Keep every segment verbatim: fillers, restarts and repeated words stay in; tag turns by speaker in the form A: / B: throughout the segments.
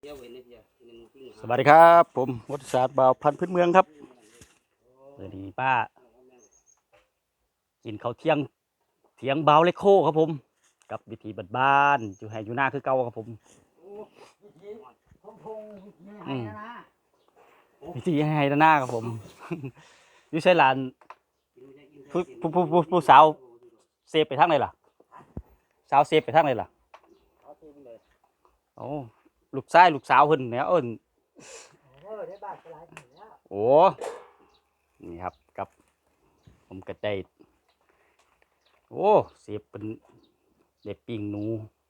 A: สวัสดีครับผมวัฒศาสตร์บ่าวพันธุ์พื้นเมืองครับเดี๋ยวนี้ป้ากินข้าวเที่ยงเที่ยงบ่าวเลโคครับผมกับวิธีบ้านๆอยู่ให้อยู่หน้าคือเก่าครับผมอืมวิธีให้หน้าครับผมอยู่ใช้หลานผู้ผู้ผู้ผู้ผู้สาวเซฟไปทางไหนล่ะสาวเซฟไปทางไหนล่ะโอ้ลูกชายลูกสาวเพิ่นเนี่ยเอิ้นโอ้นี่ครับกับผมกระได้โอ้เสียบเป็นเด็ดปิงหนู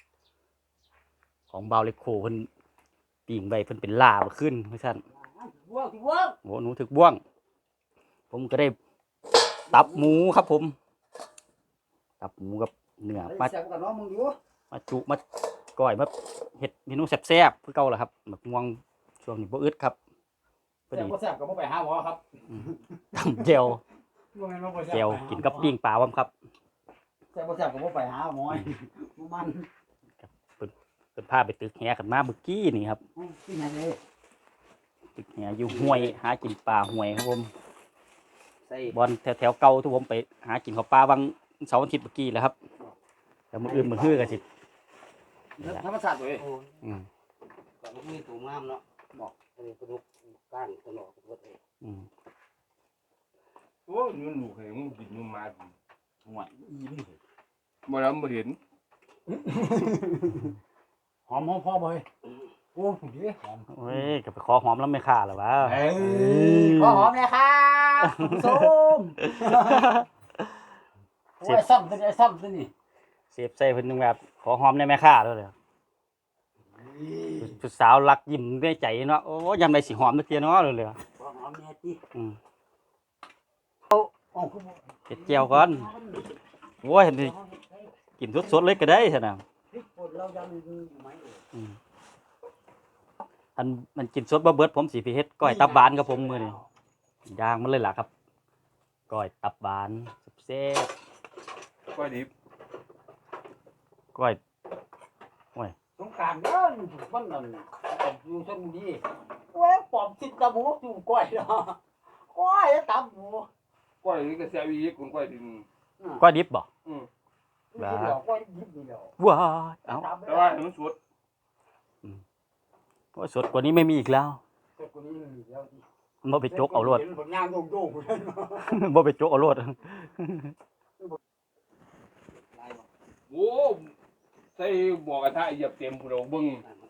A: ของเบาเล็กโคเพิ่นปิงใบเพิ่นเป็นลาบขึ้นเพื่อนโอ้หนูถึกบ่วงผมก็ได้ตับหมูครับผมตับหมูกับเนื้อมามาจุมาก้อยมาเห็ดเมนูแซ่บๆเพื่อเก่าแหละครับหมักม่วงช่วงนี้บ่อึดครับ
B: แซ่บบ่แซ่บก็บ่ไปหาหมอครับ
A: ตำเจลเจลกินกับปิ้งปลาว่ครับ
B: แซ่บบ่แซ่บก็บ่ไปหาหมอมัน
A: เป็นภาพไปตึกแหขึ้นมาเมื่อกี้นี่ครับ
B: ที่ไหนเลย
A: ตึกแหอยู่ห้วยหากินปลาห้วยครับผมบอลแถวแถวเก่าที่ผมไปหากินข้าวปลาบางเสาร์อาทิตย์เมื่อกี้แหละครับแต่มืออื่นมือฮื้อกันสิ
B: ธรรมชาติเลย
A: อืม
B: ก็มีตัวงามเนาะบอกอันนี้กระดูกก้างตลอดหมดเลย
A: อืม
C: โอ้ยมันลูกให้มึงกินมึงมากิน
B: ห่วยอีนี่
C: บ่แล้วบ่เห็น
B: หอมหอมพอบ่เฮ้ยโอ้ดีหอม
A: เว้ยก็ไปขอหอมแล้วไม่ฆ่าหรอวะ
B: เอ้ยขอหอมเลยครับส้มโอ้ยซ้ำตัวนี้ซ้ำตัวนี้
A: เสียบใส่เพิ่นนึงแบบขอหอมได้ไหมฆ่าด้วยเลยผู้สาวรักยิ้มด้วยใจเนาะโอ้ยำใดสิหอมตะเกียเนาะเลยเลย
B: ขอหอมแม่ติ
A: อืม
B: เอาคือ
A: เก็ดเจียวก่อนโอ้ยเห็นดิกินสดๆเลยก็ได้ใช่ไหมอันมันกินสดบ่เบิดผมสิไปเฮ็ดก้อยตับบานกับผมมื้อนี้ย่างมันเลยล่ะครับก้อยตับบานแซ่บ
C: ก้อยดิบ
A: ก้อยโอ้ย
B: สงกรานต์เด้อมันนั่นอยู่ชลบุรีโอ้ยปอมติดตะหมูอยู่ก้อยเนาะก้อยตะหมู
C: ก้อยนี่ก็แซ่บอีกคนก้อยดิบ
A: ก้อยดิบบ่
C: อือ
B: ว้าก้อยดิบนี่แล้ว
A: ว้าเอ้า
C: แต่ว่ามันสด
A: อืมโอ้ยสดกว่านี้ไม่มีอีกแล้ว
B: สดกว่านี้มีแล้วดิ
A: บ่ไปจกเอาโลด
B: ผลงานโยก
A: บ่ไปจกเอาโลด
C: โอ้ใส่หม้อกระทะเหยียบเต็มพุ่นเอาเบิ่ง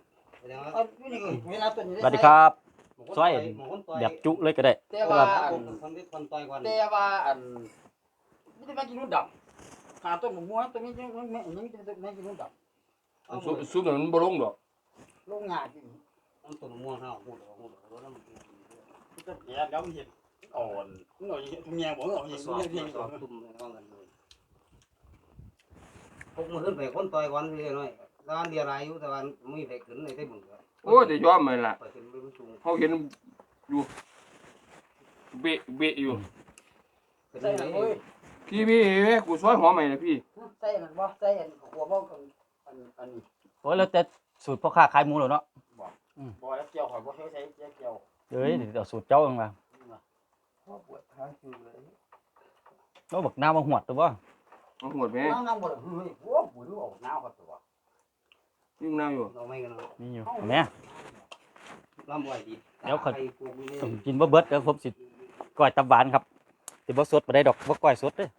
A: สวัสดีครับซอยแบบจุเลยก็ได้
B: แต่ว่าแต่ว่าอันไม่ได้มากินนุ่นดำหาต้นหมูม้วนตัวนี้ยังไม่ยังไม่กินนุ่นดำ
C: ซุปซุปมันบ่ลงดอก
B: ลงงาจริงต้นต้นม้วนเฮาหูดหูดแล้วน้ำต้นแก่แล้วมันเห็นอ่อนหน่อยทุ่งแยงบ่เอาเห็นทุ่งแยงก่อนตุ่มว่ากันเลยพวกมันขึ้นไปคนต่อยวันเรื่อยหน่อยตอนเดียวไรอยู่แต่วันไม่ได้ขึ้นในได้บุญ
C: โอ้จะยอมมันล่ะเฮาเห็นอยู่เบะเบะอยู่
B: ใส่นั่นเว้ย
C: พี่พี่กูซอยหอมใหม่นะพี่
B: ใส่นั่นบ่ใส่อันหัวบ่อันอันนี้
A: โอ้ยแล้วแต่สูตรพ่อค้าขายหมูแล้วเนาะ
B: อืมบ่แล้วเกี่ยวข่อยบ่เคยใช้เกี่ยว
A: เอ้ยเดี๋ยวสูตรเจ้าเองล่ะ
B: พ่อปวดขาคือเลย
A: แล้วบักน้ำมาหวดตัวบ่
C: มาหวดแม่
B: น้ำน้ำบ่เฮ้ยโอ้บ่รู้เอาน้ำครับตัว
C: นี่น้ำอยู่
B: เอาไม่กัน
A: นี่อยู่แม่
B: ลำบ่ดี
A: เดี๋ยวเขากินบ่เบิดเดี๋ยวผมสิก้อยตับหวานครับสิบ่สดบ่ได้ดอกบ่ก้อยสดเด้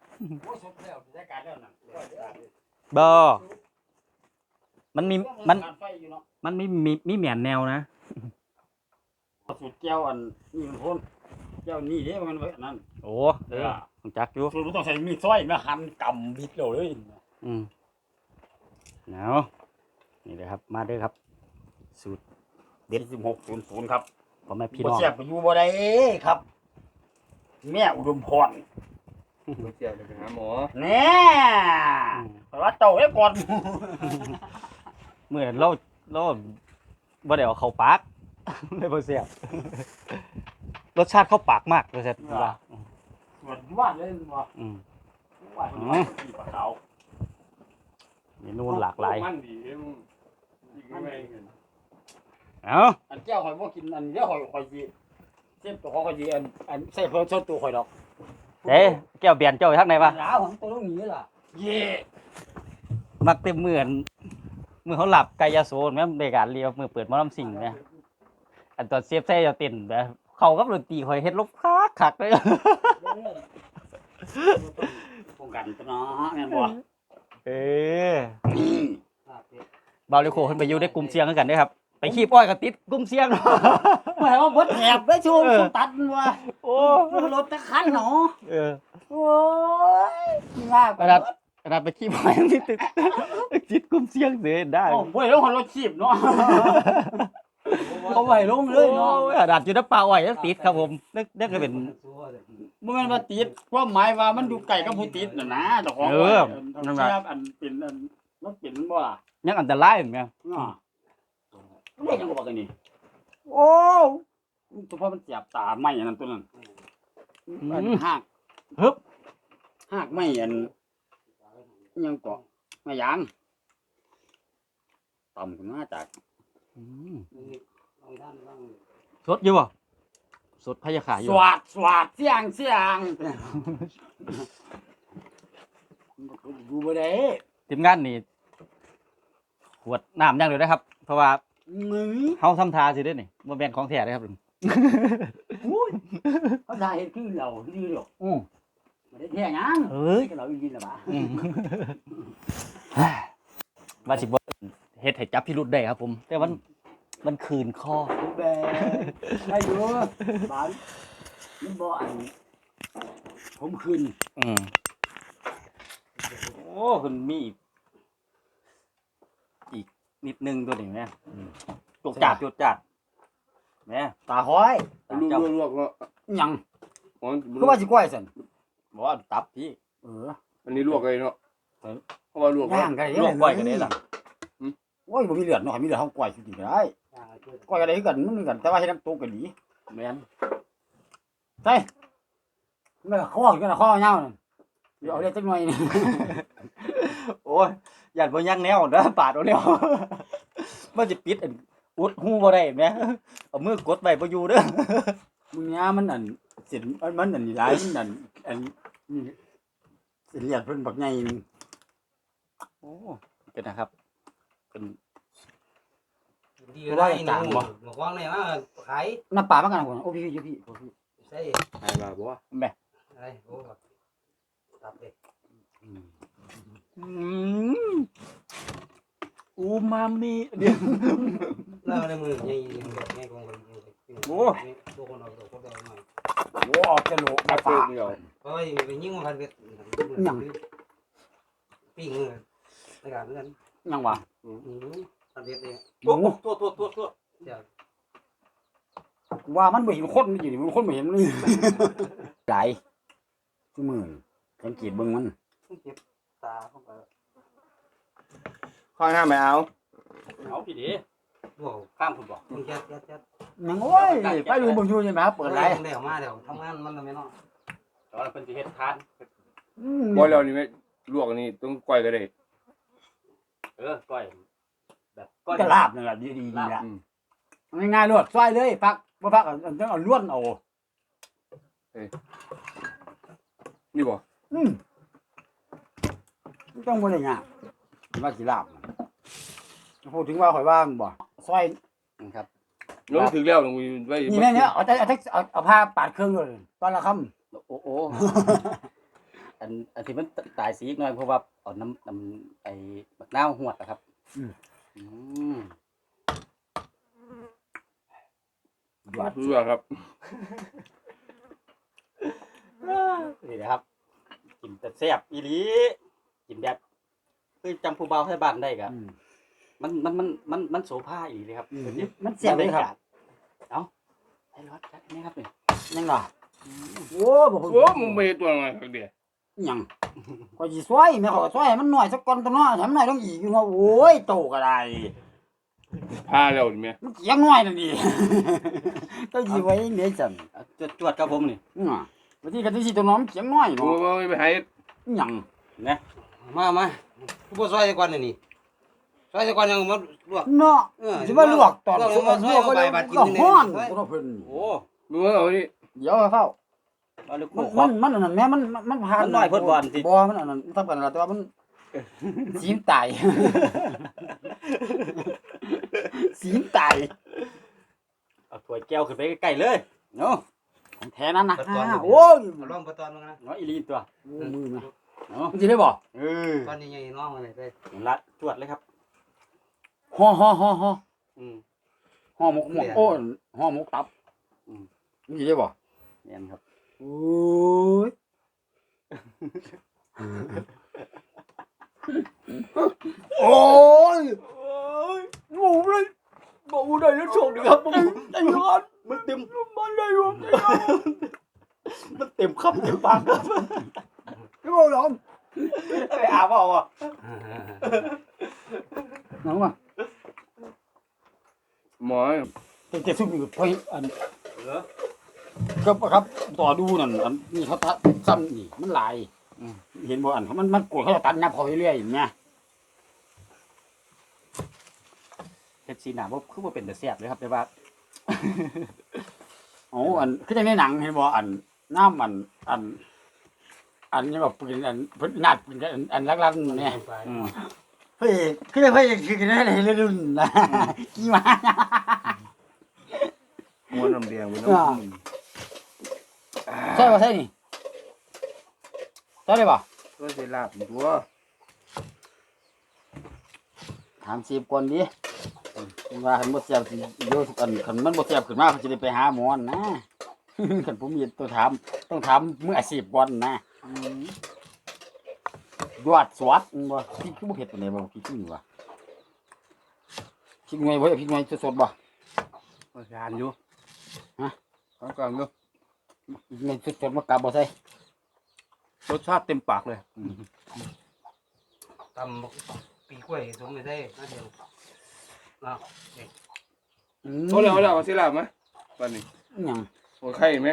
A: บ่มันมีมันมันมีมีมีแหม่นแนวนะ
B: สูตรแก้วอันนี่มันพ่นแก้วนี่เด้มันไว้อันนั้น
A: โอ้เออรู้จักอยู่
B: สูตรต้องใช้มีดซอยมาหั่นกำบิดเลย
A: อืมเนาะนี่เลยครับมาเด้อครับสูตรเด็ดสิบหกศูนย์ศูนย์ครับผมแม่พี่น้อง
B: บ่แซ่บอยู่บ่ได้ครับแม่อุดมพร
C: บ่แซ่บไปหาหมอ
B: แน่เพราะว่าเจ้าไว้ก่อน
A: เมื่อเราเราบ่ได้เอาเข้าปากเลยบ่แซ่บรสชาติเข้าปากมากเลยแซ่บว่า
B: สวนว่าเลยบ่
A: อืม
B: ว่าที่ปลาขาว
A: เมนูหลากหลาย
C: มันดีมึงอีกไม่เห็น
A: เอา
B: อันแก้วข่อยบ่กินอันเดียวข่อยข่อยสิเส้นตัวของข่อยสิอันอันใส่เพิ่มส่วนตัวข่อยดอก
A: เด้แก้วเบียนเจ้าอยู่ทางไหนวะ
B: หลาวของตัวตรงนี้ล่ะเย่
A: มักเต็มมืออันมือเขาหลับไกายาโซนแม่นในการเรียวมือเปิดหมอลำสิ่งเนี่ยอันตอนเซฟใส่จะเต้นแบบเขากับดนตรีคอยเฮ็ดลบคักคักเลย
B: ป้องกันตัวเนาะแม่นบ่
A: เออเบาเลโคขึ้นไปอยู่ในกลุ่มเสียงกันเด้อครับไปขี้ป้อยกับติดกลุ่มเสียง
B: หมายว่าเบิดแถบได้ชูชูตัดว่า
A: โอ้
B: รถตะคันเนาะ
A: เออ
B: โอ้ยง่าย
A: ขนาดขนาดไปขี้ป้อยยังติดติดติดกลุ่มเสียงเสียได้
B: โอ้บ่ได้ลงรถชีพเนาะเขาไว้ลงเลยเนาะ
A: โอ้ยขนาดอยู่น้ำปลาอ้อยยังติดครับผมนึกนึกก็เป็น
B: บ่แม่นว่าติดความหมายว่ามันอยู่ใกล้กับผู้ติดน่ะนะเจ้าของ
A: เออ
B: นั่นล่ะอันเป็นอันมันเป็นบ่ล่ะ
A: ยังอันตรายเหมือนกัน
B: เนาะเรียกจังก็บอกกันนี่
A: โอ้
B: ตัวพ่อมันเสียบตาไม้อันนั้นตัวนั้นอันหาก
A: ฮึบ
B: หากไม้อันอิหยังเกาะไม้ยางต่ำขึ้นมาจาก
A: อืมสดอยู่บ่สดพยาขาอ
B: ส
A: ยู่
B: วาดสวาดเสียงเสียงดูบ่ได้
A: ทีมงานนี่ขวดน้ำอย่างเดียวนะครับ เพราะว่า
B: มึง
A: เฮาทำทาสิเด้อนี่บ่แม่นของแท้เด้อครับลุง
B: เขาได้เฮ็ดคือเราดีหรอก
A: อือ
B: บ่ได้แท้หยัง
A: เอ้ย
B: ก็เราอีกินล่ะบ่า
A: อืมว่าสิบ่เฮ็ดให้จับพิรุธได้ครับผม แต่มันมันคืนคอ
B: แบได้อยู่บ้านมันบ่อันผมคืน
A: อืมโอ้คุณมีอีกอีกนิดนึงตัวนี้แม่จกจัดจกจัดแม่
B: ตาห้อย
A: ตา
C: ลว
A: เจ้าก
C: ลวกเนาะ
B: หยัง
C: อ๋อ
B: คือว่าสิก้อยซั่น
A: บอกว่าตับพี่
B: เออ
C: อันนี้ลวกเลยเนาะเพราะว่าลวก
B: ย่างกัน
A: ลวกไว้ก็ได้ล่ะ
B: โอ้ยบ่มีเลือดเนาะมีเลือดเฮาก้อยสิกินก็ได้ก้อยก็ได้คือกันมันคือกันแต่ว่าเฮ็ดน้ำตกก็ดี
A: แม่น
B: ใช่มันก็ข้อกันข้อยาวนั่นเดี๋ยวเอาได้จักหน่อยนี่
A: โอ้ยหยัดบ่ยังแนวเด้อปาดเอาแล้ว มันสิปิดอันอุดหูบ่ได้แม่เอามือกดไว้บ่อยู่เด้อ
B: มึงเนี่ยมันอันเส้นมันมันอันนี้หลายมันอันอันนี่เส้นเลือดเพิ่นบักใหญ่นี่
A: โอ้เป็นนะครับเป็น
D: ดีก็ได้หนูบอกว่างเลยว่าขาย
B: น้ำปลามันกันพุ่นโอ้พี่พี่พี่โอ้พี่
D: ใช่
C: ไอ้บาบ่ว่า
A: แม่
D: อะไรโอ้ตับเลย
A: อืมอูมามิเดี๋ยว
D: แล้วในมือยังยังยังคงตัวคนเราตัวคนเราหน่อย
B: โอ้ออกจะโหลก
C: มา
B: มา
C: เพิ่
B: ปาม
C: เดียว
D: เพราะไปยิ่งมาพันเวทปิ้งมือในการนั้น
B: ยังวะ
D: พันเวทเอง
B: โอ้
A: ตัวตัวตัวตัว
D: เดี๋ยว
B: ว่ามันบ่เห็นคนมันอยู่นี่มันคนบ่เห็นมันนี่หลายชั่วโมงสังเกตเบิ่งมัน
D: เจ็บตาเข้าไป
C: ข้อห้าไม่เอา
A: เอาพี่ดิ
D: ว้าว
A: ข้ามคุณบอก
D: มึงจัดจัดจัด
B: ยังโอ้ยไปดูเบิ่งอยู่ใช่ไหมครับเปิดไร
D: เดี๋ยวมาเดี๋ยวทำงานมันทำไมเนาะ
A: ตอนเพิ่นสิเฮ็ดทาน
C: บ่แล้วนี่ไม่ลวกอันนี้ต้องก้อยก็ได้
A: เออก้อยแบบก้อย
B: ก็ลาบนั่นแหละดีดีดีละ
C: อืม
B: ง่ายๆรวดซอยเลยพักบ่พักเอาต้องเอาล้วนเอา
C: นี่บ่
B: อืมต้องบ่ได้ยากว่าสิลาบพูดถึงว่าข่อยว่ามันบ่ซอย
A: ครับ
C: ลงถึงแล้วลงไว้
B: นี่แม่เนี่ยเอาแต่เอาแต่เอาเอาผ้าปาดเครื่องเลยตอนละค่ำ
A: โอ้โอ้อันอันที่มันตายสีอีกหน่อยเพราะว่าเอาน้ำน้ำไอ้บักนาวหวดนะครับอืม
B: หยอด
C: ลวกครับ
A: นี่นะครับกินแต่แซ่บอีหลีกินแบบคือจำผู้เบาให้บ้านได้กะ
B: อืม
A: มันมันมันมันมันโสภาอีหลีครับ
B: อืมมันเสียบเลยครับ
A: เอ้าให้รอดจัดนี่ครับนี่
B: ยังล่ะโอ้บ่
C: โอ้มึงไปตัวหน่อยเดียว
B: ยังข่อยสิซอยแม่ขอยซอยให้มันหน่อยสักก่อนตัวน้อยให้มันหน่อยต้องอีกอยู่ว่าโอ้ยโตก็ได้
C: พาแล้วนี่แม่
B: มันเกียงน้อยนั่นดิ ต้องสิไว้เด้จัง
A: เอาจวดจวดครับผมนี่
B: อือบ่ที่กันสิตัวน้องเกียงน้อย
C: โอ้
B: เนาะ
C: ยไปให้
B: ยัง
D: มามาผู้ช่วยก่อนนี่ซอยตะกอนยังมาลวก
E: เนาะ
D: เออ
E: สิมาลวกตอน
D: ลวก
E: สุก
D: มาซ
E: ล
D: อยว
E: กก็
D: ใบ
E: เลย
D: บาดกิน
E: ก็
D: นี่
E: ฮ้อน
D: ซอย
E: บ่ต้องเพิ่น
A: โอ้
C: ดูเอานี่
E: เดี๋ยวเฝ้า
A: เอาลูก
E: มัน
A: โป่ง
E: มันมันอันนั้นแม่มันมันมันผ่าน
A: มันน้อยเพิ่นบ่อันสิ
E: บ่มันอันนั้นทำกันแล้วแต่ว่ามันสีมนตายสีมนตาย
A: เอาถ้วยแก้วขึ้นไปใกล้ๆเลยเนาะ
E: ของแท้นั้นนะ
D: ปะตอน
E: โอ้ย
D: ลองปะตอนมึงนะ
A: เนาะอีหลีตัว
E: มือนะ
A: เนาะ
E: มันสิได้บ่
A: เออ
D: ตอนนี้ยังน้องอะไรไป
A: ละจวดเลยครับ
E: ห่อห่อห่อห่อ
A: อืม
E: ห่อหมกหมกโอ้ยห่อหมกตับ
A: อืม
E: มันสิได้บ่
A: แม่นครับ
E: โอ้ยโอ้ยโอ้ยบ่ได้แล้วโชคดีครับบ่ไอ้ยอด
A: มันเต็ม
E: มันได้อยู่
A: มันเต็มคำเต็มปากครับ
E: ไม่บอกหรอก
A: ไปอาบเอาอ่ะ
E: น้องอ่ะ
C: หมอ
E: จะจะซุ่มอยู่ไปอัน
A: เหรอ
E: ก็ครับต่อดูนั่นอันนี่เขาตัดซ้ำนี่มันหลายอืมเห็นบ่อันเขามันมันกดเขาจะตัดนับเขาเรื่อยๆอย่างเงี้ย
A: เฮ็ดสีหน้าบ่คือบ่เป็นแต่แซ่บเลยครับแต่ว่า
E: โอ้อันคือจังในหนังเห็นบ่อันน้ำอันอัน อันนี้แบบเป็นอันเพิ่นนัดเป็นอันอันลักๆเนี่ย
A: อืม
E: เฮ้ยคือได้เพิ่นคือกันได้เลยรุ่นนะกี่มา
C: หัวน้ำแดงหัวน้
E: อ่า ใช่ป่ะใช่นี่ใช่ได้ป่ะ
C: ำก็จะลาบตัว
E: ถามสิบก่อนดิว่าคันบ่แซ่บสิโยทุกอันคันมันบ่แซ่บขึ้นมาเขาจะได้ไปหาหมอนะ คันผมมีตัวถามต้องถามมืออาชีพก่อนนะยอดสวัสดบ่พี่คือบ่เฮ็ดปานใดบ่พี่คือว่าพี่หน่วยบ่พี่หน่วยสดๆบ่
A: งานอยู่
C: เอากลางดู
E: ในสดๆมากลับบ่ใส่
A: รสชาติเต็มปากเลย
D: ตำปีกล้วยสมไม่ได้น่าเดียวเนาะ
E: อืม
C: เอาแล้วเอาแล้วเอาสิลาบไหมตอนนี้
E: หยัง
C: หัวไข่ไหม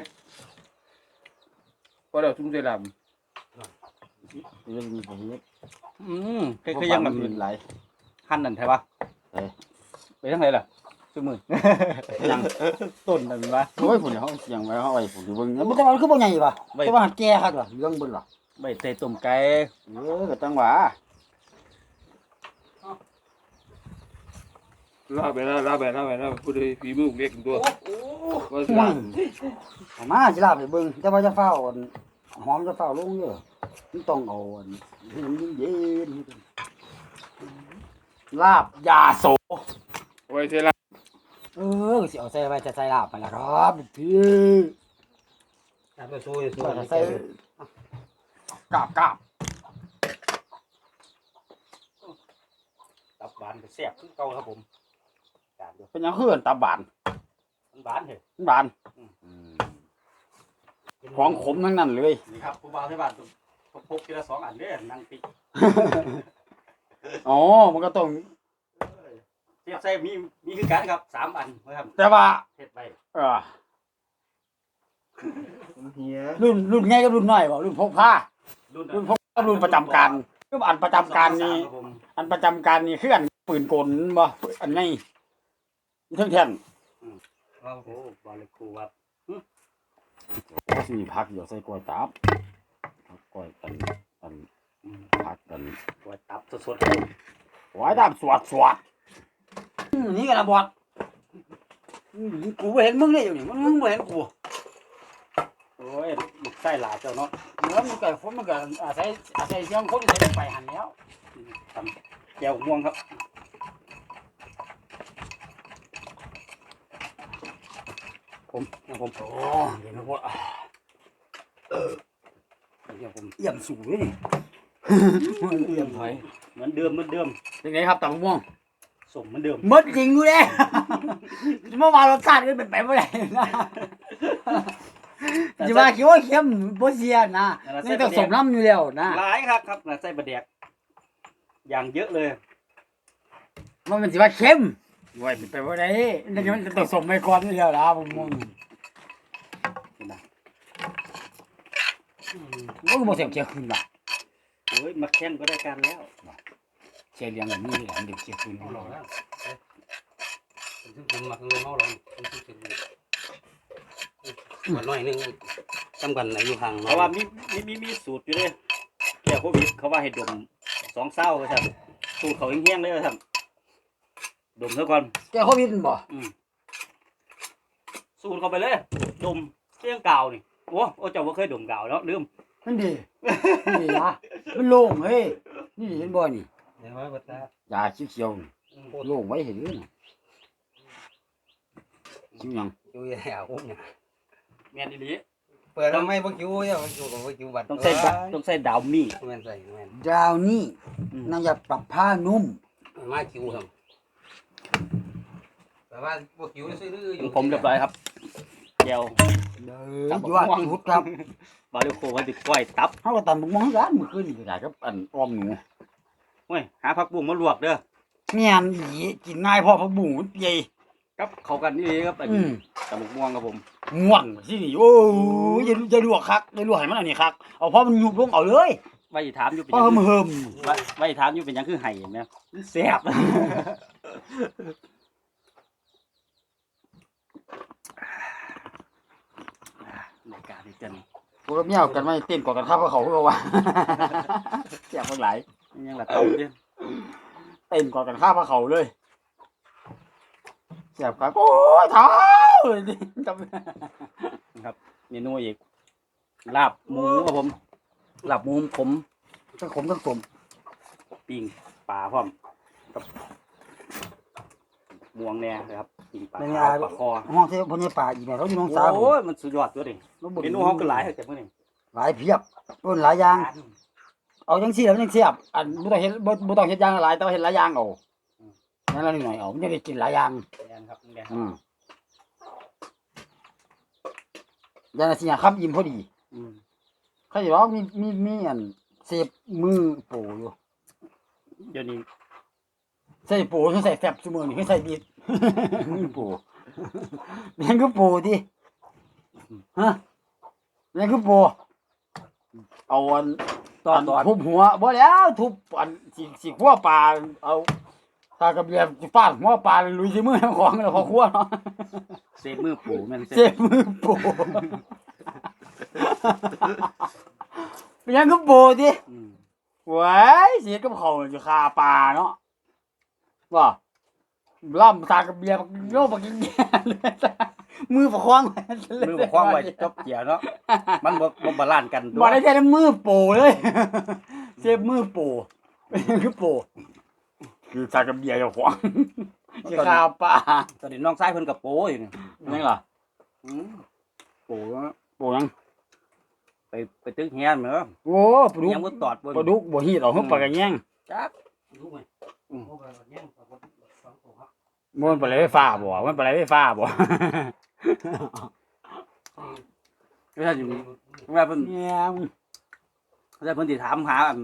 C: พอแล้วทุ่มสิลาบ
E: เรื่องนี้ผมเฮ็ด
A: อืมคือยังแบบ
E: อื่นหลาย
A: หั่นนั่นใช่ปะ
E: เอ้ย
A: ไปทางไหนล่ะซุมือ
E: ยัง
A: ต้นนั่นวะ
E: โอ้ยพุ่นเขาเสียงไว้เขาไว้พุ่นอยู่เบิ่งบ่ต้องเอาคือบ่ใหญ่ป่ะ
A: ไว้
E: แต่ว่าหัดแก่คักล่ะเรื่องเบิ่นล่ะ
A: ใบเตยต้มไก่
E: เออก็จังหวะ
C: ลาบไปแล้วลาบไปลาบไปแล้วพูดเลยฝีมือเล็กตัวว่าสิลาบ
E: เอามาสิลาไปเบิ่งแต่ว่าจะเฝ้าอันหอมจะเฝ้าลงเด้อมันต้องเอาอันให้มันเย็นๆลาบยาโส
C: ไว้สิลาบ
E: เออสิเอาใส่ไว้จะใส่ลาบไปละครับพี่
D: ตำไปสู้สู้
E: ว่าจะใส่กาบกาบ
A: ตับหวานก็แซ่บคือเก่าครับผมจานเดียว
E: เป็นหยังคืออันตับบาน
A: มันหวานเหรอ
E: มันบานของขมทั้งนั้นเลย
A: นี่ครับผู้บ่าวที่บ้านต้องพกทีละสองอันเด้อนั่งติ๊ก
E: อ๋อมันก็ต้อง
A: เทียบใส่มีมีคือกันครับสามอันนะครับ
E: แต่ว่า
A: เฮ็ดไป
E: เออ
C: เฮีย
E: รุ่นรุ่นใหญ่กับรุ่นน้อยบ่รุ่นพกผ้า
A: รุ่น
E: รุ่นพกผ้ารุ่นประจำการคืออันประจำการนี่
A: ครับผม
E: อันประจำการนี่คืออันปืนกลบ่อันไงเท่งแท่น
A: โอ้บอลเลยครูครับ
E: ก็สิพักเดี๋ยวใส่กล้วยตับกล้วยกันอันพักกัน
A: กล้วยตับสดๆครับ
E: ไว้ตามสวดสวดนี่กันละบอดกูบ่เห็นมึงได้อยู่นี่มึงมึงบ่เห็นกู
A: โอ้ยลูกไส้หลาเจ้าเนาะ
E: เนื้อมันก็คนมันก็อาศัยอาศัยเสียงคนใส่ไปหันแล้ว
A: ตำแก้วม่วงครับผมนะผม
E: โอ้เดี๋ยวนะพวก
A: เดี๋ยวผม
E: เอี่ยมสูงเลยนี่
A: เลื่อมถอยเหมือนเดิมเหมือนเดิม
E: เป็นไงครับตำม่วง
A: สมเหมือนเดิม
E: มดจริงอยู่เลยเมื่อวานรสชาติก็เป็นไปไม่ได้นะจะว่าคิดว่าเค็มบ่เสียนะนี่ต้องสมน้ำอยู่แล้วนะ
A: หลายครับครับน่ะไส้บะแดกอย่างเยอะเลย
E: มันเป็นสิว่าเค็มไว้เป็นไปไม่ได้นี่มันต้องสมไปก่อนอยู่แล้วนะผมมองมันก็บ่เสียงเจียขึ้นล่ะ
A: โอ้ยมาแข่งก็ได้การแล้ว
E: เสียเลี้ยงแบบนี้แหละเด็กเสียคืนของเรา
D: ซึ่งผมมาเงินเมาเราซึ่งซึ่งวันน้อยนึงจำกันอายุห่าง
A: เพราะว่ามีมีมีมีสูตรอยู่เลยแก้โควิดเขาว่าให้ดมสองเศร้าครับสูตรเขาแห้งๆเลยครับดมซะก่อน
E: แกโควิดบ่
A: อืมสูตรเข้าไปเลยดมเรื่องเก่านี่โอ้โอ้เจ้าบ่เคยดมเก่าแล้วลืม
E: นั่นดีนี่ละมันโล่งเฮ้ยนี่เห็นบ่นี่
D: เดี๋ยวว่าบัดตาย
E: าเขียวๆโล่งไว้เห็นเลยนะคิวยัง
D: อยู่แล้วผมเนี่ย
A: แม่นอีหลี
D: เปิดทำไมบ่คิวเนี่ยบ่คิวของบ่คิวบัด
A: ต้องใส่ดะต้องใส่ดาวมี่
D: แม่นใส่แม่น
E: ดาวนี่
A: อืม
E: น่าจะปรับผ้านุ่ม
D: มาคิวครับแต่ว่าบ่คิวซื้อๆอ
A: ขอยู่ งผมเรียบร้อยครับแก้ว
E: เด้อยอดสุดครับ
A: บาริโคว่าสิก้อยตับ
E: เฮาก็ตำบักม่วงกันมื้อคืนนี่ก็ได้ครับอันอ้อมหนู
A: เว้ยหาผักบุ้งมาลวกเด้อ
E: แม่นอีกินง่ายพอผักบุ้งมันเปีย
A: ครับเข้ากันนี่ครับอัน
E: อื
A: นี้
E: ม
A: ตำบักม่วงครับผม
E: ง่วงสินี่โอ้ยอย่าอย่าลวกคักอย่าลวกให้มันอันนี้คักเอาพอมันยุบลงเอาเลย
A: ไว้ถามอยู่เป็น
E: พ
A: ห
E: อ
A: ยัง
E: เฮิม
A: ไว้ไว้ถามอยู่เป็นหยังคือไห้เห็นไหมมันแซ่บ รายการนี้กัน
E: ๆพวกเมียกันไม่เต้นกว่ากันครับเขาเขาว่าแซ่บเพิ่งหลาย
A: ยังละเต่าเด้อ
E: เต้นกว่ากันข้าพระเขาเลยแซ่บครับโอ้ยเท้าเลยนี่จำ
A: ครับเมนูอีกลาบหมูครับผมลาบหมูผม
E: ทั้งขมทั้งสม
A: ปิ้งปลาพร้อมกับม่วงแน่นะครับปิ้งปลาขาวปลาคอ
E: ห้องที่พญาป่าอีแม่เขาอยู่น้องสาว
A: โอ้ยมันสุดยอดตัวดิ
E: เราบ่
A: เม
E: ได้
A: นูเขาก็หลายแต่เมื่อนี้
E: หลายเพียบต้นหลายอย่าง เอาจังซี่แล้วมันจังเสียบอันบ่ต้องเฮ็ดบ่บ่ต้องเฮ็ดอย่างหลายแต่ว่าเฮ็ดหลายอย่างเอานั่นละนิดหน่อยเอามันจะได้กินหลายอย่าง
A: แดนครับแดน
E: อืมอย่างนั้นสิหยังครับอิ่มพอดี
A: อืม
E: เขาสิว่ามีมีมีอันเสพมือโปอยู่
A: เดี๋ยวนี้
E: ใส่โปใส่แฟบซุมื้อนี่คือใส่บีด มือโปมันคือโปติฮะมันคือโปเอาอัน
A: ตอนตอน
E: ทุบหัวบ่แล้วทุบอันสิสิขัวปลาเอาถ้ากระเบียบสิฟาดหัวปลาลุยสิมือของแล้วพอขัวเนาะ
A: เซฟมือปูแม่น
E: เจ็บมือโปเป็นหยังก็โปติ
A: อืม
E: หว้ยเสียกับเขาจะคาปลาเนาะว่าล่ำตากระเบียบโยกบักกินแย่เลยมือประคองไว้
A: มือบ่คล้องไว้จบเจียเนาะมันบ่บ่บาลานซ์กัน
E: บ่ได้แค่มือโปเลยเจ็บมือโปเป็นหยังคือโปคือตากระเบียบเจ้าของจะคาปลา
A: ตอนนี้น้องชายเพิ่นกับโป้อยู่นี่
E: ยังล่ะ
A: อืม
E: โปโปยัง
A: ไปไปตึกเฮียนเหมือน
E: โอ้ปลาดุก
A: ยังบ่ตอดเบิ่ง
E: ปลาดุกบ่ฮีดเอาขึ้นปลากระแยง
A: จัก
D: รู้ไหม
A: อืม
D: โอ้ไปแย่งกับสองตัวครับ
E: มันปลาไหลไฟฟ้าบ่มันปลาไหลไฟฟ้าบ่
A: ไม่ใช่อยู่ว่าเพิ่น
E: เนี่ย
A: ไม่ใช่เพิ่นสิถามหาอัน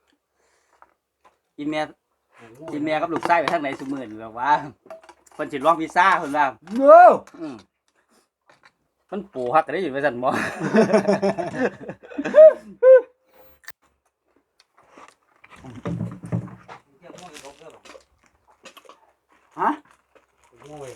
A: อีแม่อีแม่กับลูกชายไปทางไหนซุมื้อนี่แบบว่าเพิ่นสิลองวีซ่าเพิ่นว่า
E: โอ้
A: อืมเพิ่นปูฮักก็ได้อยู่ว่าซั่นบ่
D: เที่ยวมั่วอยู่เด้อ
E: ฮะ
D: มั่ว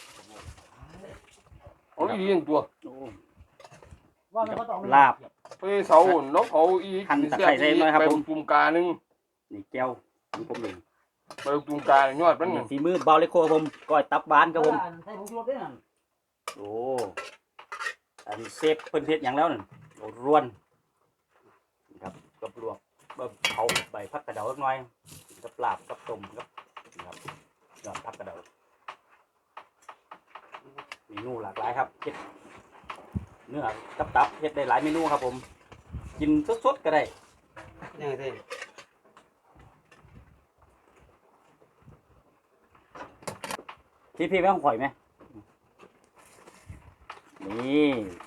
C: เอาอีหยังตัว
A: โอ้
E: ว่ามันก็ต้อง
A: ลาบ
C: ไปเสาเนาะเขาอี
A: หั่นตะไคร้ใส่หน่อยครับ
C: ไป
A: ผม
C: ตุ่มกาหนึง
A: นี่แก้วของผมเอง
C: ไปตุ่มกายอดมันน่ะ
A: ฝีมือเบาเลโคครับผมก้อยตับบานครับผม
E: ใส่ผงชูรสด้วยนั่น
A: โอ้อันนี้เซฟเพิ่นเฮ็ดหยังแล้วนั่นโอ้ร่วนนี่ครับกับลวกแบบเผาใบผักกระเดาสักหน่อยกับลาบกับต้มกับนี่ครับยอดผักกระเดาเมนูหลากหลายครับเฮ็ดเนื้อกับตับเฮ็ดได้หลายเมนูครับผม กินสดๆก็ได้
D: ยังไงเท่
A: พี่พี่ไม่ต้องข่อยไหมนี่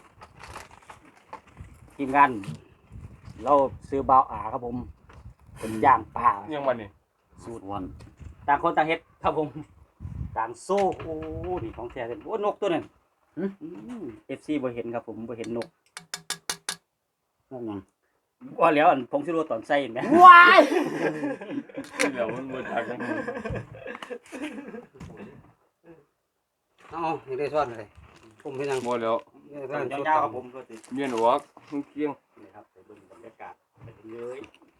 A: ทีมงานเราซื้อเบาอาครับผมเป็นย่างปลา
C: ยังวันนี้
A: สูตรวันต่างคนต่างเฮ็ดครับผมต่างโซ่โอ้นี่ของแท้เลยโอ้นกตัวนั้นเอฟซีบ่เห็นครับผมบ่เห็นนก
E: นั่นยัง
A: ว่าแล้วอันผงชูรสตอนใส่เห็นไหม
E: ว้าย
C: เดี๋ยวมันบ่ทักกัน
D: เอาให้ได้ซ้อนเลยผมให้นั่ง
C: บ่แล้ว
A: ตอนยาวๆครับผมก็ติ
C: เมียนออกมึงเกียง
A: นี่ครับไปเบิ่งบรรยากาศไปเลย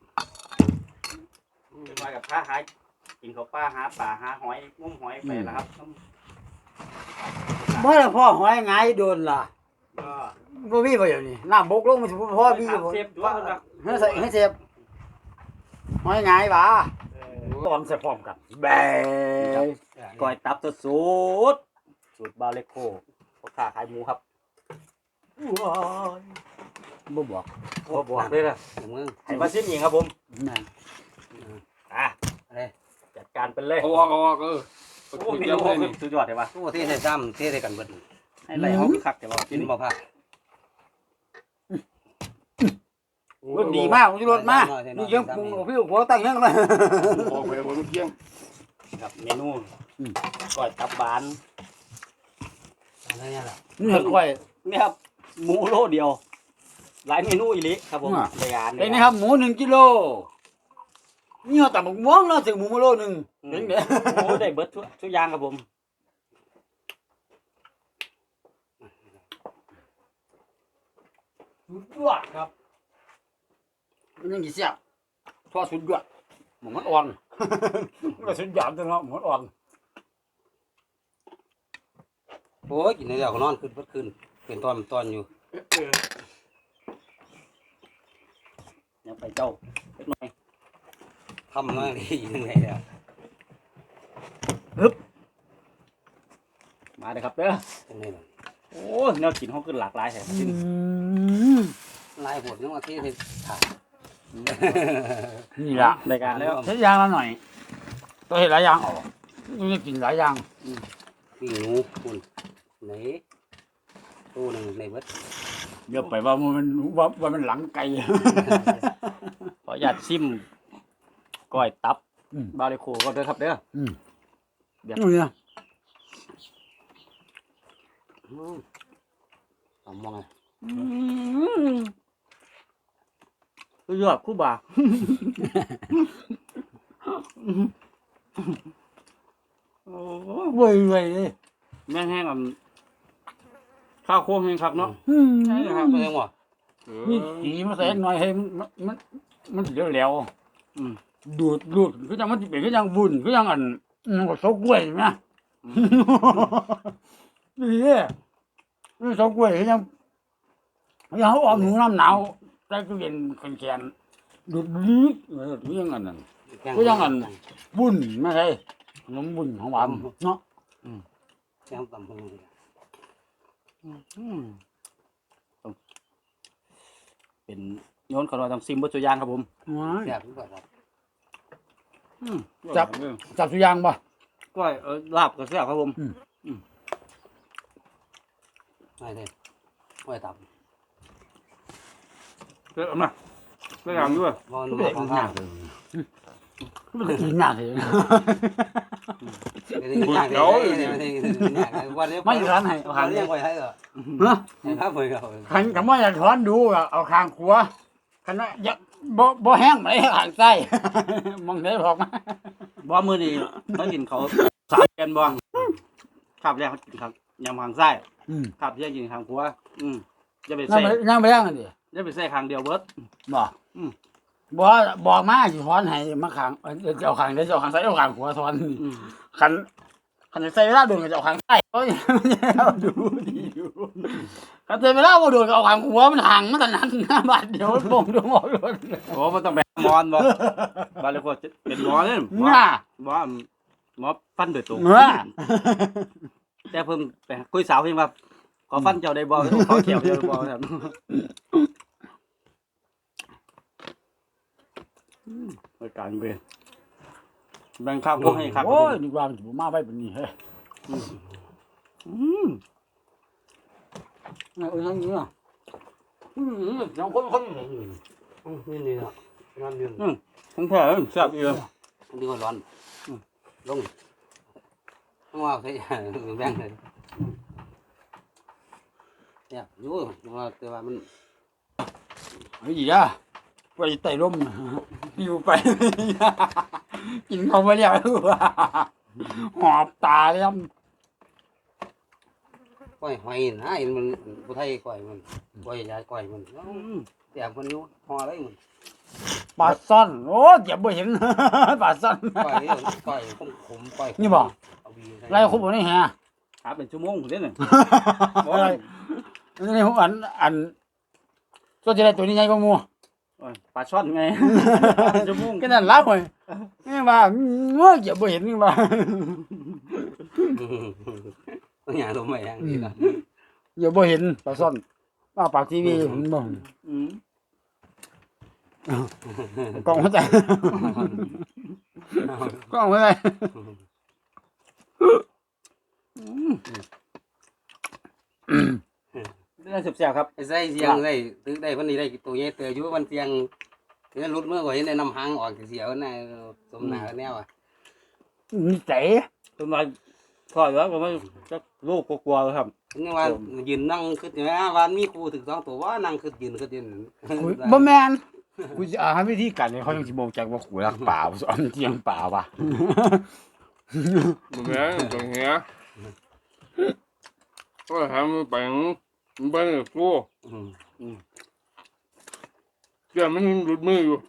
A: เป็นมากับข้าหากินข้าวปลาหาปลาหาหอยงมหอยไปแล้วครับ
E: เมื่อพ่อหอยไงโดนล่ะ
A: ก็
E: บ่มีบ่อย่างนี้น้ำบกลงมันสิบ่พอมี
A: ถาม
E: บ่
A: เซฟด้วยคนละ
E: ให้ใส่ให้เสียบหอยไงบ่าตอนใส่พร้อมกันแบ
A: ก้อยตับสูตรสูตรบาเลโคพ่อค้าขายหมูครับ
E: บ่บอก
A: บ่บอกเลยนะ
D: มึง
A: ให้มาซิมเองครับผม
E: นั่น
A: อ่ะ
D: อะไร
A: จัดการไปเลย
C: เอาออกเอาออกเออ
A: โอ้เมนูคือสุดยอดเลยว่ะ
D: โอ้เทใส่ซ้ำเทใส่กันเบิด
A: ให้ไรเขาคือคักแต่ว่า
D: กิ
A: กิ
D: น
A: น
D: บ่พลาด
E: รสดีมากรสมากนี่ยังปรุงเอาพี่หัวตั้งยังเลย
C: ออกไปบ่มึงเกียง
A: ครับเมนูก้อยตับบาน
D: อะไรเนี่ยล่ะ
E: นี่ค่อย
A: นี่ครับหมูโลเดียว หลายเมนูอีหลิครับผมในงาน
E: ไอ้นี่ครับหมูหนึ่งกิโลนี่เอาแต่หมกม่วงแล้วถึงหมูมาโลหนึ่งเป็นไง
A: โอ้ได้เบิดทุกทุกอย่างครับผม
E: สุดยอดครับมันยังกี่เสียบทอดสุดยอดหมูมันอ่อนมันก็สุดยอดจังเนาะหมูมันอ่อน
D: โอ้ยกินได้แล้วก็นอนขึ้นเบิดขึ้นเป็นตอนตอนอยู่
A: ยังไปเจ้าเล็กน้อย
D: ทำมาดียังไงแล้ว
A: มาเลยครับเด้อ
D: จังได๋ล่ะ
A: โอ้แนวกินเขาขึ้นหลากหลายแท้
D: ลายโหดยังว่าเทใส่ถาด
E: นี่ละ
A: รายการแล้ว
E: เฮ็ดอย่างละหน่อยตัวเฮ็ดหลายอย่างออกนี่จะกินหลายอย่าง
D: ปิ้งหนูคุณไหนตู้หนึงในเบิด
E: เดี๋ยวไปว่ามันว่าว่ามันหลังไก่
A: ขออนุญาตซิมก้อยตับ
E: อืม
A: บาริโคก็เด้อครับเด้อ
E: อืม
A: เดี๋ยว
E: นี่นะ
D: อืมเอามองไง
A: สุดยอดคู่บ่า โอ้
E: เว้ยเว้ยเลย
A: แม่งแห้งอ่ะข้าวโค้งแห้งครับเนาะ
E: อืม
D: ใช่ครับบ่ยังว่า
C: เอ
E: นี่
C: อ
E: สีมาใส่หน่อยให้มันมันมันสิเหลว
A: อืม
E: ๆดูดดูดคือจังมันสิเป็นคือจังวุ่นคือจังอันมันก็ซกกล้วยนะนี่เด้นี่ซกกล้วยคือจังยังเอาออกหนูน้ำหนาวใส่ตู้เย็นแข็งๆดูดลึกเออคือจังอันนั้น ก็ยังอัน วุ่นไม่ใช่ขนมวุ่นของหวานเนาะ
D: แซ่บตำหู
A: อืมต้องเป็นโยนขอเราทำซิมเบอร์ตัวอย่างครับผม
E: ว้าย
D: แซ่บทุกแบบครับ
A: อืม
E: จับจับสุยางป่ะ
A: ก้อยเออลาบก็แซ่บครับผม
D: ไม่ได้ไม่ตับ
C: เด้อมาได้ยังด้วย
D: บอล
E: ก็
D: มา
E: เป็น
D: ของ
E: ห
D: ข้า
E: น้าว เลยก็เป็นกินหน้าเลย
D: ไม่ได้กินยากเลยไม่ได้กินยากเลยวันนี้
E: ไม่ร้านให้เอา
D: หา
E: ขาง
D: เรี
E: เดี
D: ย
E: ย
D: ก
E: ว
D: ไว้ให้เหรอ
E: ฮะ
D: ให้ครับเพื่อนเขา
E: ขันกับว่าอยากถอนดูก็เอาคางขัวขันว่าอยากบ่บ่แห้งไหมขางไส้มองได้พอกมา
A: บ่มือดีเขากินเขาสามกันบ่ขับแรกเขากินครับยำทางซ้าย
E: อืม
A: ขับเที่ยงกินทางขวาอืมจะไป
E: นั่ง
A: ใส่
E: ไปนั่งไปย่างกันดิ
A: จะไปใส่ทางเดียวเบิด
E: บ่
A: อืม
E: บ่บอกมาสิถอนให้มาขางเออจะเอาขางเดี๋ยวจะเอาขางซ้ายเอาขางขวาถอน
A: อืม
E: ขันขันใส่เวลาโดนก็จะเอาขางซ้ายโอ้ยมันจะเอาดูดีอยู่ขันใส่เวลาบ่โดนก็เอาขางขวามันห่างมันก็นั่นหน้าบาดเดียวมันบ่งดวงออกเลย
A: โอ้มันต้องแบบมอนบ่บาเลยก็เป็นหมอเนี่ยหมอ
E: น่า
A: หมอหมอฟันโดยตรง
E: เมื่อ
A: แต่เพิ่งไปคุยสาวเพิ่งว่าขอฟันเจ้าได้บ่ขอเขียวเจ้าได้บ่ครับรายการเบนแบ่งข้าวพวกให้ครับ
E: โอ้ยดีกว่ามันสิบ่มาไว้แบบนี้เฮ้ย
A: อืม
E: เออยังอยู่อ่ะอืมสองคนคน
D: นี่นี่นะร้อนยืน
A: ทั้งแท้แซ่บอีก
D: ดีกว่าร้อนลงต้องว่าใช่แบ่งเลยเนี่ยอยู่ว่าแต่ว่ามัน
E: เฮ้ยอ่ะไปไต่ร่มปิวไป กินเขาไปแล้วหอบตาเลยครับ
D: ก้อยหอยนะเห็นมันผู้ไทยก้อยมันก้อยยายก้อยมันแต่คนอยู่ห่ออะไรมัน
E: ปลาซ่อนโอ้เจ็บบ่เห็น ปลาซ่อน
D: ก้อยก้อยขมขมก้อย
E: นี่บ่
D: เอาบีใส่
E: ไรคุบบ่นี่ฮะ
A: หาเป็นชั่วโมงเด้อเนี่ย
E: อะไรนี่ผมอันอันตัวจะได้ตัวนี้ใหญ่กว่าหมู่
A: โอ้ยปลาช่อนไง เป็นชั่วโมง
E: ก็นั่นล่ะเว้ยนี่ว่าเมื่อเจ็บบ่เห็นนี่ว่า
D: ต้องอย่างตัวใหม่อย่างนี้นะ
E: เจ็บบ่เห็นปลาซ่อนว่าปากทีวีเห็นบ่
A: อืม
E: กล้องหัวใจกล้องหัวใจ
A: ได้แซ่บๆครับ
D: ไอ้ใส่เสียงได้ตึกได้วันนี้ได้ตัวใหญ่เตยอยู่วันเสียงเนี่ยรุดเมื่อก่อนเห็นได้นำหางออกเสียวน่ะสมหน้าแนวอ่ะ
E: นี่เจ๋
A: ต้นไม้ทอดแล้วก็ไม่จะลูกกลัวๆครับ
D: นี่ว่ายืนนั่งคืออย่างนี้วันมีครูถึงสองตัวว่านั่งคือยืนคือยืน
E: บ่แม่นกูจะหาวิธีการให้เขายังสิบ่จักว่ากูรักป่าบ่สอนเที่ยงป่าว่ะ
C: บ่แม่นตรงเนี้ยก็ทำไปมันไปกูเดี๋ยวมันหลุดมืออยู่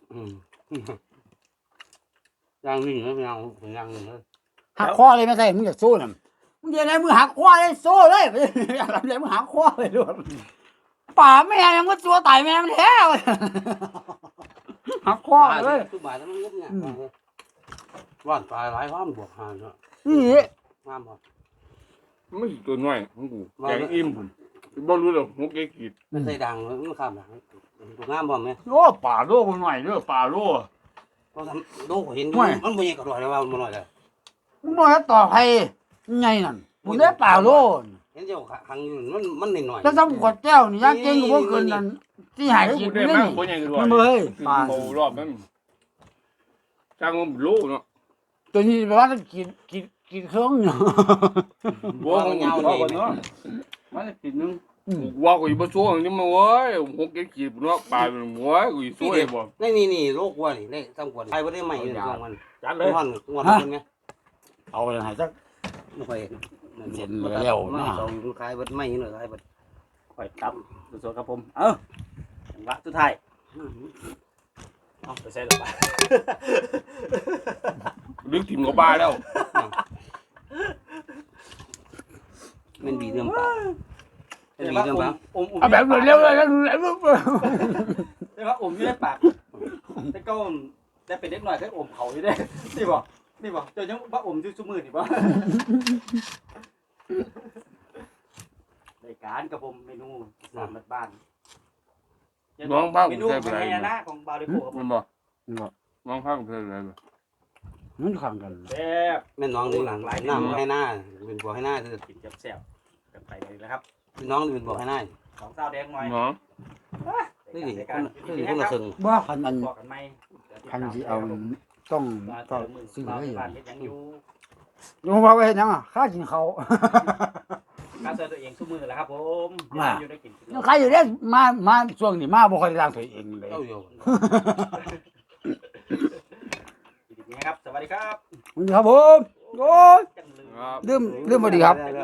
D: ย่างนี่ไม่เอาย่างนี่เลย
E: หักคอเลยไม่ใช่มึงอยากสู้น่ะมึงจะไหนมึงหักคอเลยสู้เลย อยากทำอะไรมึงหักคอเลยด้วยป่าแม่ยังก็ตัวตายแม่มันแท้เว้ยหักคอเลย
D: ทุกบาทมันงุบเนี่ยว่านตายหลายว่านบวกหาเนาะ
E: นี่
D: งามบ่
C: ไม่ตัวน้อยของกูแกงอิ่มบ่รู้หรอกหกเกกีด
D: มันใส่ดังมันข้ามหลังตัวงามบ่แม่
E: โอ้ป่าโลกหน่อยเด้อป่าโล
D: เพราะโดกเห็นมันบ่ใหญ่ก็รอยแล้วว่ามันน้อยเลย
E: มึงน้อยต่อใครไงนั่นมึงได้ป่าโล
D: เห็นเจ้าขังอยู่มันมันนิดหน่อย
E: ถ้าทำขวดแก้วนี่ยากเก่งกว่าเกินนั่นที่หาย
C: กู
E: กู
C: ได้
E: นี่
C: มากคนใหญ่ด้วย
E: มันเอ้ยป่า
C: โตรอบนั้นจ้างมันรู้เนาะ
E: ตัวนี้แปลว่ากินกินกินเครื่องอยู่
C: บัวของ
D: ยาว
A: พอ
D: นี่
A: ก่อนเนาะมาจะกินนึง
C: ว่ากูอยู่บ่ช่วงนี้มาเว้ยหกเกกีดเนาะปลาเป็นหัวกูอยู่ช่วยบ่
D: นี่นี่นี่โรควัวนี่ได้ทำกวนไปบ่ได้ใหม่เลยของมัน
A: จัดเลย
D: งอนงอนมันไง
E: เอาไปไหนสัก
D: ไม่ค่อย
E: เห็นแล้วนะ
D: สองคล้ายเบิดใหม่หน่อยคล้ายเบิด
A: ค่อยตับสดๆครับผม เอ้าจังหวะสุดท้ายเอาไปใส่ลงไป
C: ลึกถิ่มกับบ้าแล้ว
D: มันบีเรื่องปลาเป็นบีเรื่องปลา
A: อมอม
E: เอาแบบเร็วๆเลยเร็ว
A: ใช่ปะอมอยู่ในปากแต่ก็ได้เป็นเล็กหน่อยแค่อมเขาอยู่ได้นี่บ่นี่บ่เจ้ายังว่าอมอยู่ซุมือนี่บ่รายการกับผมเมนูสามบ้านเมนูเป็นไงนะของบาริโกครับผ
C: มั
A: ม
C: นบ่น้องพักเพิ่นอะไรบ่
E: นั่นขังกัน
A: แซ่บ
D: แม่น้องนี่หลังหน้าให้หน้าเป็นบัวให้หน้าคือ
A: กินแซ่บๆกันไปเลยนะครับ
D: น้องเป็นบัวให้หน้า
A: สองเต้าแดงหน่อย
C: น้อง
D: นี่ดิคนนี่คนละซึ่ง
E: บ่คันอัน
A: บอกกันไหม
E: คันสิเอาต้อง
A: มา
E: ก็
A: เจอมือ
E: ซื้อ
A: บ้า
E: ไว้
A: นบ้านเฮ็ดยังอยู่
E: อยู่ว่าไว้ยังอ่ะข้ากินเขา
A: การเจอตัวเองซุมือแหละครับผม
E: มา
A: อยู่ได้กิน
E: ยังใครอยู่เด้มามาช่วงนี้มาบ่ค่อยได้ล้างตัวเองเลย
D: เจ้าอยู่
A: ดีๆนะครับสวัสดีครับ
E: ครับผมโอ้ย
A: จังเลย
C: ครับ
E: ลืมลืมบ่ดีครับ
D: เ